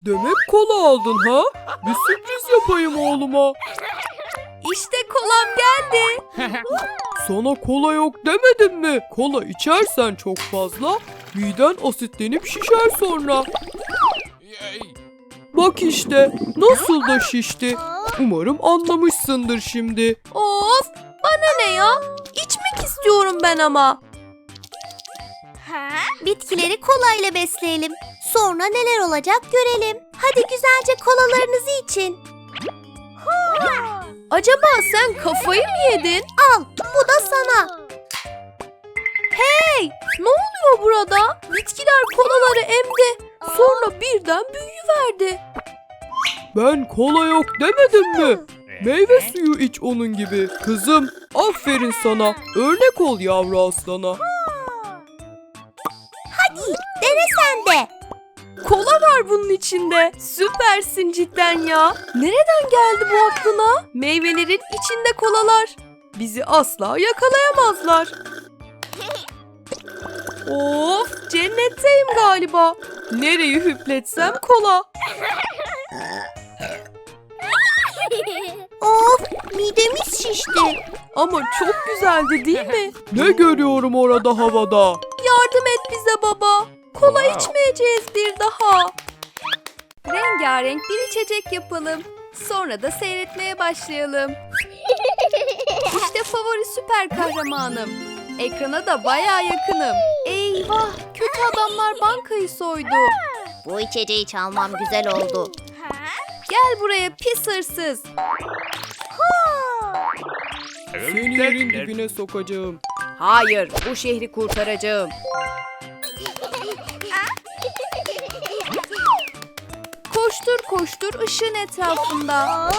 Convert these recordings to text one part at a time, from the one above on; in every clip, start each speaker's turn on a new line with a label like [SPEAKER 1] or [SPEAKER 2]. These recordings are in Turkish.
[SPEAKER 1] Demek kola aldın ha? Bir sürpriz yapayım oğluma.
[SPEAKER 2] İşte kolam geldi.
[SPEAKER 1] Sana kola yok demedim mi? Kola içersen çok fazla miden asitlenip şişer sonra. Bak işte nasıl da şişti. Umarım anlamışsındır şimdi.
[SPEAKER 2] Of, bana ne ya? İçmek istiyorum ben ama.
[SPEAKER 3] Bitkileri kolayla besleyelim. Sonra neler olacak görelim. Hadi güzelce kolalarınızı için.
[SPEAKER 2] Acaba sen kafayı mı yedin?
[SPEAKER 3] Al, bu da sana.
[SPEAKER 2] Hey, ne oluyor burada? Bitkiler kolaları emdi. Sonra birden büyüyüverdi.
[SPEAKER 1] Ben kola yok demedim mi? Meyve suyu iç onun gibi. Kızım, aferin sana. Örnek ol yavru aslana.
[SPEAKER 3] Hadi dene sen de.
[SPEAKER 2] Kola var bunun içinde. Süpersin cidden ya. Nereden geldi bu aklına? Meyvelerin içinde kolalar. Bizi asla yakalayamazlar. Of, cennetteyim galiba. Nereyi hüpletsem kola.
[SPEAKER 3] Of, midemiz şişti.
[SPEAKER 2] Ama çok güzeldi değil mi?
[SPEAKER 1] Ne görüyorum orada havada?
[SPEAKER 2] Yardım et bize baba. Kola içmeyeceğiz bir daha. Rengarenk bir içecek yapalım. Sonra da seyretmeye başlayalım. İşte favori süper kahramanım. Ekrana da bayağı yakınım. Eyvah, kötü adamlar bankayı soydu.
[SPEAKER 3] Bu içeceği çalmam güzel oldu.
[SPEAKER 2] Gel buraya pis hırsız.
[SPEAKER 1] Seni yerin dibine sokacağım.
[SPEAKER 2] Hayır, bu şehri kurtaracağım. Koştur koştur ışığın etrafında.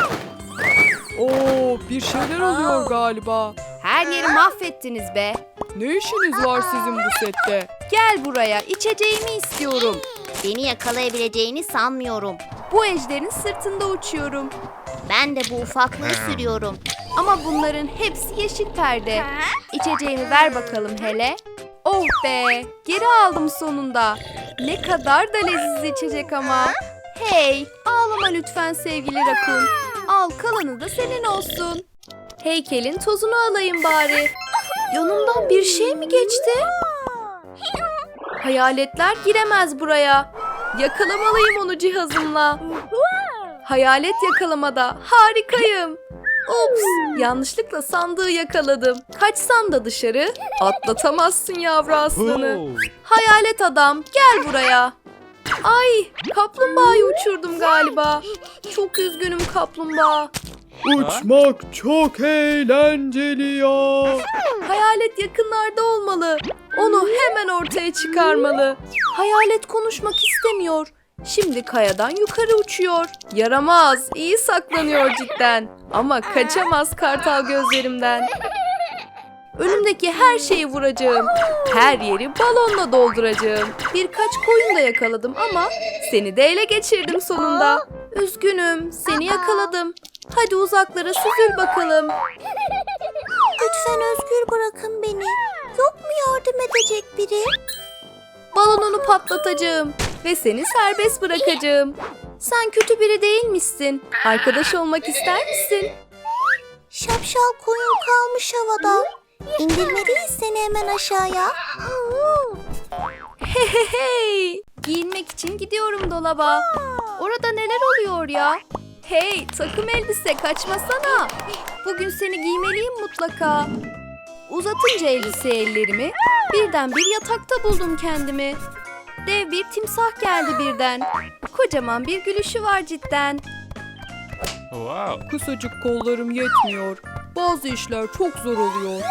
[SPEAKER 1] Oo, bir şeyler oluyor galiba.
[SPEAKER 2] Her yeri mahvettiniz be.
[SPEAKER 1] Ne işiniz var sizin bu sette?
[SPEAKER 2] Gel buraya, içeceğimi istiyorum.
[SPEAKER 3] Beni yakalayabileceğini sanmıyorum.
[SPEAKER 2] Bu ejderin sırtında uçuyorum.
[SPEAKER 3] Ben de bu ufaklığı sürüyorum.
[SPEAKER 2] Ama bunların hepsi yeşil perde. İçeceğimi ver bakalım hele. Oh be, geri aldım sonunda. Ne kadar da leziz içecek ama. Hey, ağlama lütfen sevgili rakun. Al, kalanı da senin olsun. Heykelin tozunu alayım bari. Yanımdan bir şey mi geçti? Hayaletler giremez buraya. Yakalamalıyım onu cihazımla. Hayalet yakalamada harikayım. Ups, yanlışlıkla sandığı yakaladım. Kaçsan da dışarı atlatamazsın yavru aslanı. Hayalet adam, gel buraya. Ay, kaplumbağayı uçurdum galiba. Çok üzgünüm kaplumbağa.
[SPEAKER 1] Uçmak çok eğlenceli ya.
[SPEAKER 2] Hayalet yakınlarda olmalı. Onu hemen ortaya çıkarmalı. Hayalet konuşmak istemiyor. Şimdi kayadan yukarı uçuyor. Yaramaz, iyi saklanıyor cidden. Ama kaçamaz kartal gözlerimden. Önümdeki her şeyi vuracağım. Her yeri balonla dolduracağım. Birkaç koyun da yakaladım ama seni de ele geçirdim sonunda. Üzgünüm, seni yakaladım. Hadi uzaklara süzül bakalım.
[SPEAKER 3] Lütfen özgür bırakın beni. Yok mu yardım edecek biri?
[SPEAKER 2] Balonunu patlatacağım ve seni serbest bırakacağım. Sen kötü biri değilmişsin. Arkadaş olmak ister misin?
[SPEAKER 3] Şapşal koyun kalmış havada. İndirmeliyiz seni hemen aşağıya.
[SPEAKER 2] Hey, giyinmek için gidiyorum dolaba. Orada neler oluyor ya? Hey, takım elbise kaçmasana. Bugün seni giymeliyim mutlaka. Uzatınca elbise ellerimi birden bir yatakta buldum kendimi. Dev bir timsah geldi birden. Kocaman bir gülüşü var cidden.
[SPEAKER 1] Kısacık kollarım yetmiyor. Bazı işler çok zor oluyor.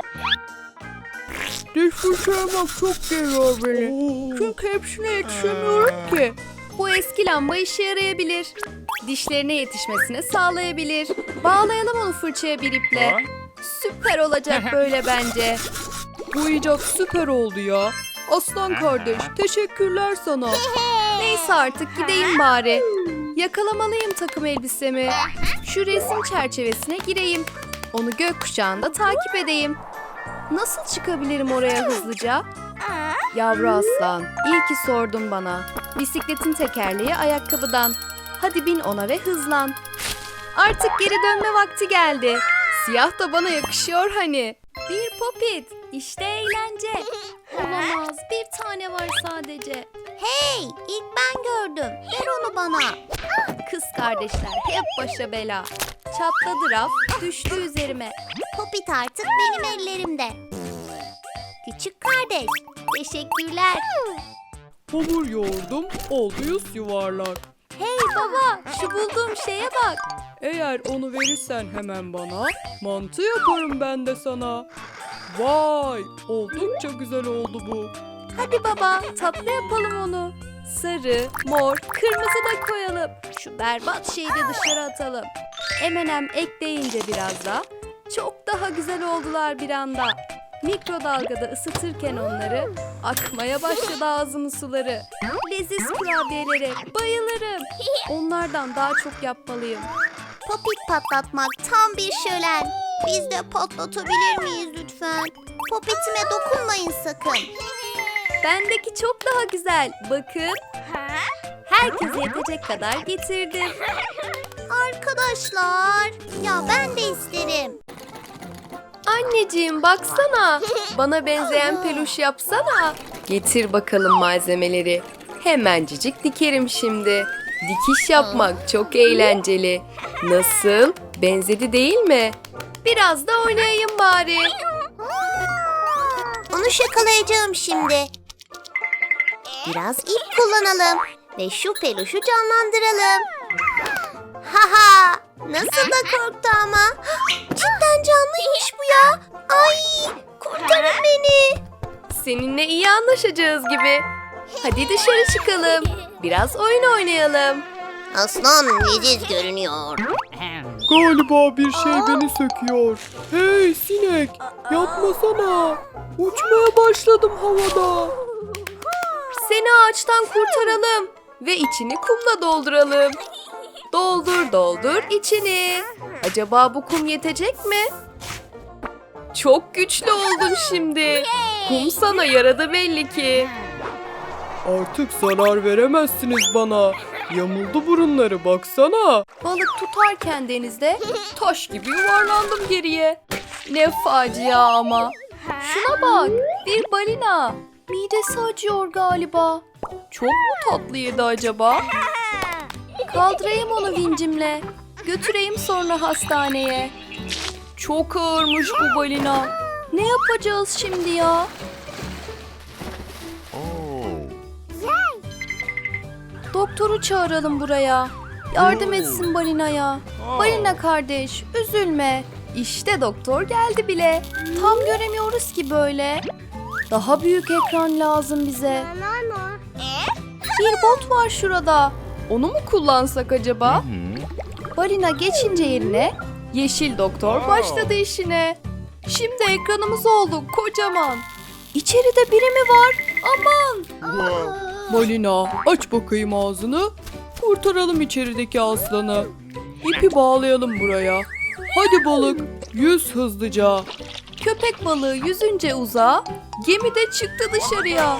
[SPEAKER 1] Diş fırçalamak çok geliyor beni. Çünkü hepsine yetişemiyorum ki.
[SPEAKER 2] Bu eski lamba işe yarayabilir. Dişlerine yetişmesine sağlayabilir. Bağlayalım onu fırçaya bir iple. Süper olacak böyle bence.
[SPEAKER 1] Bu icat süper oldu ya. Aslan kardeş, teşekkürler sana.
[SPEAKER 2] Neyse artık gideyim bari. Yakalamalıyım takım elbisemi. Şu resim çerçevesine gireyim. Onu gökkuşağında takip edeyim. Nasıl çıkabilirim oraya hızlıca? Yavru aslan, iyi ki sordun bana. Bisikletin tekerleği ayakkabıdan. Hadi bin ona ve hızlan. Artık geri dönme vakti geldi. Siyah da bana yakışıyor hani. Bir popit. İşte eğlence. Olamaz. Bir tane var sadece.
[SPEAKER 3] Hey, ilk ben gördüm. Ver onu bana.
[SPEAKER 2] Kız kardeşler hep başa bela. Çatladı raf, düştü üzerime.
[SPEAKER 3] Popit artık benim ellerimde. Küçük kardeş, teşekkürler.
[SPEAKER 1] Hamur yoğurdum, oldu yüz yuvarlak.
[SPEAKER 2] Hey baba, şu bulduğum şeye bak.
[SPEAKER 1] Eğer onu verirsen hemen bana, mantı yaparım ben de sana. Vay, oldukça güzel oldu bu.
[SPEAKER 2] Hadi baba, tatlı yapalım onu. Sarı, mor, kırmızı da koyalım. Şu berbat şeyi de dışarı atalım. M&M ekleyince biraz da çok daha güzel oldular bir anda. Mikrodalgada ısıtırken onları akmaya başladı ağzımın suları. Leziz kurabiyelere bayılırım. Onlardan daha çok yapmalıyım.
[SPEAKER 3] Popit patlatmak tam bir şölen. Biz de patlatabilir miyiz lütfen? Popitime dokunmayın sakın.
[SPEAKER 2] Bendeki çok daha güzel. Bakın. Herkese yetecek kadar getirdim.
[SPEAKER 3] Arkadaşlar, ya ben de isterim.
[SPEAKER 2] Anneciğim baksana. Bana benzeyen peluş yapsana. Getir bakalım malzemeleri. Hemencik dikerim şimdi. Dikiş yapmak çok eğlenceli. Nasıl? Benzedi değil mi? Biraz da oynayayım bari.
[SPEAKER 3] Onu şakalayacağım şimdi. Biraz ip kullanalım ve şu peluşu canlandıralım. Haha! Nasıl da korktu ama. Cidden canlıymış bu ya. Ay! Kurtarın beni.
[SPEAKER 2] Seninle iyi anlaşacağız gibi. Hadi dışarı çıkalım. Biraz oyun oynayalım.
[SPEAKER 3] Aslan leziz görünüyor.
[SPEAKER 1] Galiba bir şey beni söküyor. Hey sinek, yapmasana. Uçmaya başladım havada.
[SPEAKER 2] Seni ağaçtan kurtaralım ve içini kumla dolduralım. Doldur doldur içini. Acaba bu kum yetecek mi? Çok güçlü oldun şimdi. Kum sana yaradı belli ki.
[SPEAKER 1] Artık zarar veremezsiniz bana. Yamuldu burunları baksana.
[SPEAKER 2] Balık tutarken denizde taş gibi yuvarlandım geriye. Ne facia ama. Şuna bak, bir balina. Midesi acıyor galiba. Çok mu tatlıydı acaba? Kaldırayım onu vincimle. Götüreyim sonra hastaneye. Çok ağırmış bu balina. Ne yapacağız şimdi ya? Doktoru çağıralım buraya. Yardım etsin balinaya. Balina kardeş, üzülme. İşte doktor geldi bile. Tam göremiyoruz ki böyle. Daha büyük ekran lazım bize. Bir bot var şurada. Onu mu kullansak acaba? Balina geçince yerine yeşil doktor başladı işine. Şimdi ekranımız oldu kocaman. İçeride biri mi var? Aman!
[SPEAKER 1] Balina, aç bakayım ağzını. Kurtaralım içerideki aslanı. İpi bağlayalım buraya. Hadi balık, yüz hızlıca.
[SPEAKER 2] Köpek balığı yüzünce uzağa, gemi de çıktı dışarıya.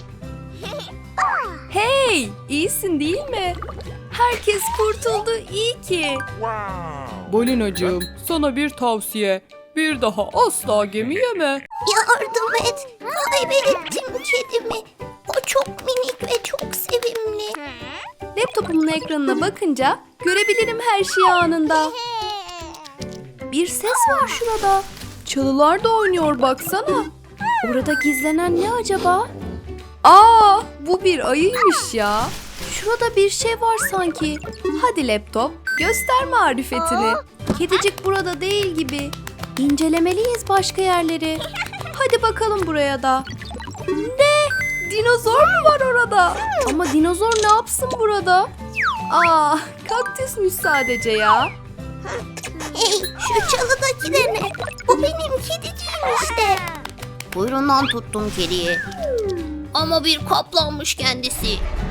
[SPEAKER 2] Hey, iyisin değil mi? Herkes kurtuldu, iyi ki.
[SPEAKER 1] Balinacığım, sana bir tavsiye. Bir daha asla gemi yeme.
[SPEAKER 3] Yardım et. Kaybettim kedimi. O çok minik ve çok sevimli.
[SPEAKER 2] Laptopumun ekranına bakınca görebilirim her şeyi anında. Bir ses var şurada. Çalılar da oynuyor baksana. Orada gizlenen ne acaba? Aa, bu bir ayıymış ya. Şurada bir şey var sanki. Hadi laptop, göster marifetini. Kedicik burada değil gibi. İncelemeliyiz başka yerleri. Hadi bakalım buraya da. Ne? Dinozor mu var orada? Ama dinozor ne yapsın burada? Aa, kaktüsmüş sadece ya.
[SPEAKER 3] Hey, şu çalıdaki de ne? Bu benim kediciğim işte. Kuyruğundan tuttum kediyi. Ama bir kaplanmış kendisi.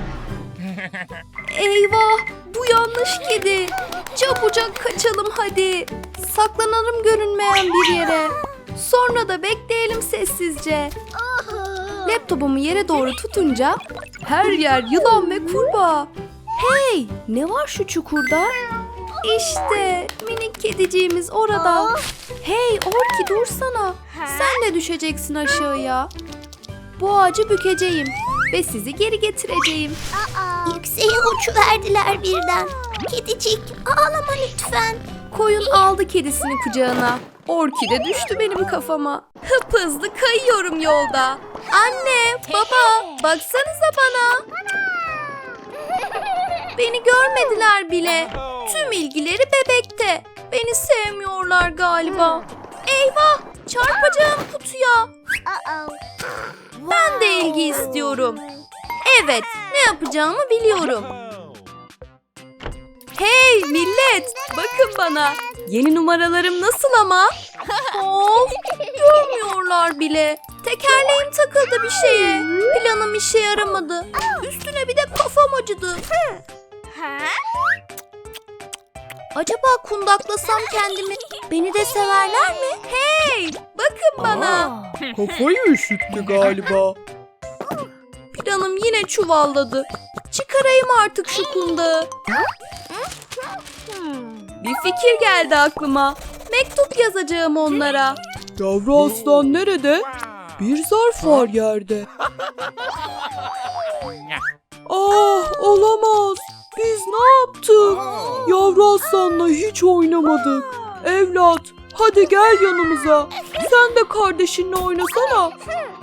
[SPEAKER 2] Eyvah, bu yanlış kedi. Çabucak kaçalım hadi. Saklanalım görünmeyen bir yere. Sonra da bekleyelim sessizce. Laptopumu yere doğru tutunca Her yer yılan ve kurbağa. Hey, ne var şu çukurda? İşte minik kediciğimiz orada. Hey Orki dursana. Sen de düşeceksin aşağıya. Bu ağacı bükeceğim ve sizi geri getireceğim.
[SPEAKER 3] Yükseğe uçuverdiler birden. Kedicik ağlama lütfen.
[SPEAKER 2] Koyun aldı kedisini kucağına. Orki de düştü benim kafama. Hıphızlı kayıyorum yolda. Anne, baba, baksanıza bana. Beni görmediler bile. Tüm ilgileri bebekte. Beni sevmiyorlar galiba. Eyvah, çarpacağım kutuya. Ben de ilgi istiyorum. Evet, ne yapacağımı biliyorum. Hey millet, bakın bana. Yeni numaralarım nasıl ama? Of, görmüyorlar bile. Tekerleğim takıldı bir şeye. Planım işe yaramadı. Üstüne bir de kafam acıdı. Acaba kundaklasam kendimi, beni de severler mi? Hey, bakın bana.
[SPEAKER 1] Kafayı üşüttü galiba.
[SPEAKER 2] Planım yine çuvalladı. Çıkarayım artık şu kundağı. Bir fikir geldi aklıma. Mektup yazacağım onlara.
[SPEAKER 1] Yavru aslan nerede? Bir zarf var yerde. Ah, olamaz. Biz ne yaptık? Yavru aslanla hiç oynamadık. Evlat, hadi gel yanımıza. Sen de kardeşinle oynasana.